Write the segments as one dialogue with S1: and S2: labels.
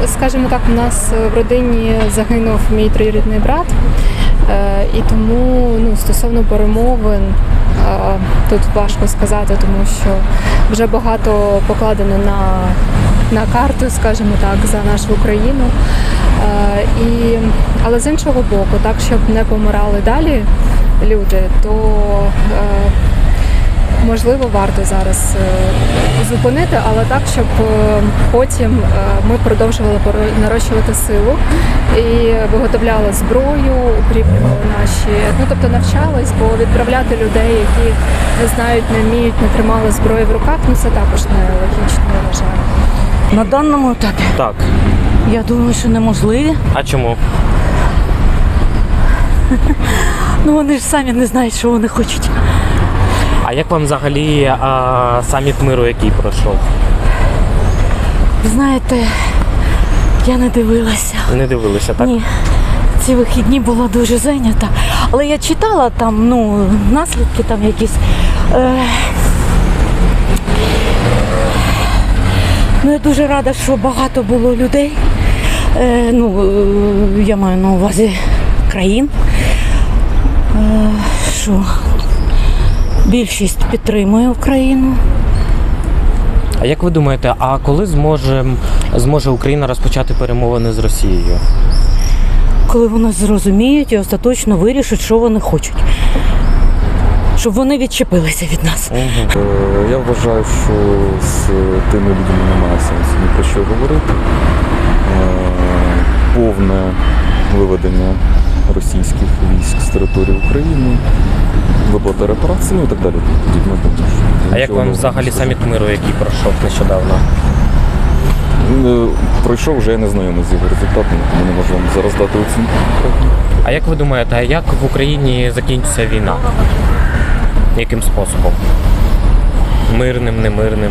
S1: скажімо так, у нас в родині загинув мій троюрідний брат, і тому стосовно перемовин тут важко сказати, тому що вже багато покладено на карту, скажімо так, за нашу Україну. Але з іншого боку, так, щоб не помирали далі люди, то можливо варто зараз зупинити, але так, щоб потім ми продовжували нарощувати силу і виготовляли зброю, укріплювали тобто навчались, бо відправляти людей, які не знають, не вміють, не тримали зброю в руках, це також нелогічно, я вважаю.
S2: На даному етапі?
S3: Так.
S2: Я думаю, що неможливі.
S3: А чому?
S2: Вони ж самі не знають, що вони хочуть.
S3: А як вам взагалі саміт миру, який пройшов?
S2: Ви знаєте, я не дивилася.
S3: Не дивилися, так?
S2: Ні. Ці вихідні була дуже зайнята. Але я читала там, наслідки там якісь. Я дуже рада, що багато було людей. Я маю на увазі країн. Що більшість підтримує Україну.
S3: А як ви думаєте, а коли зможе Україна розпочати перемовини з Росією?
S2: Коли вони зрозуміють і остаточно вирішать, що вони хочуть. Щоб вони відчепилися від нас.
S4: Я вважаю, що з тими людьми немає сенсу ні про що говорити. Повне виведення російських військ з території України, виплата репарацій, і так далі.
S3: А як вам взагалі саміт миру, який пройшов нещодавно?
S4: Пройшов, вже я не знайомий з його результатами, тому не можу вам зараз дати оцінку.
S3: А як ви думаєте, а як в Україні закінчиться війна? Яким способом? Мирним, немирним?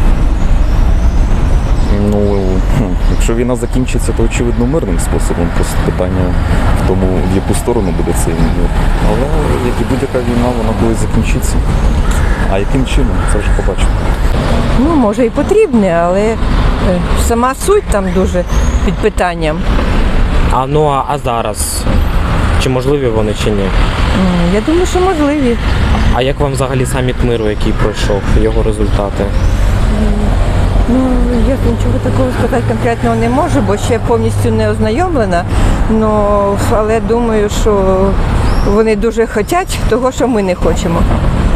S4: Якщо війна закінчиться, то очевидно мирним способом. Просто питання в тому, в яку сторону буде цей мир. Але як і будь-яка війна, вона колись закінчиться. А яким чином, це вже побачимо.
S5: Може і потрібне, але сама суть там дуже під питанням.
S3: А зараз? Чи можливі вони, чи ні?
S5: Я думаю, що можливі.
S3: А як вам взагалі саміт миру, який пройшов, його результати?
S5: Я нічого такого сказати конкретного не можу, бо ще повністю не ознайомлена. Але думаю, що вони дуже хочуть того, що ми не хочемо.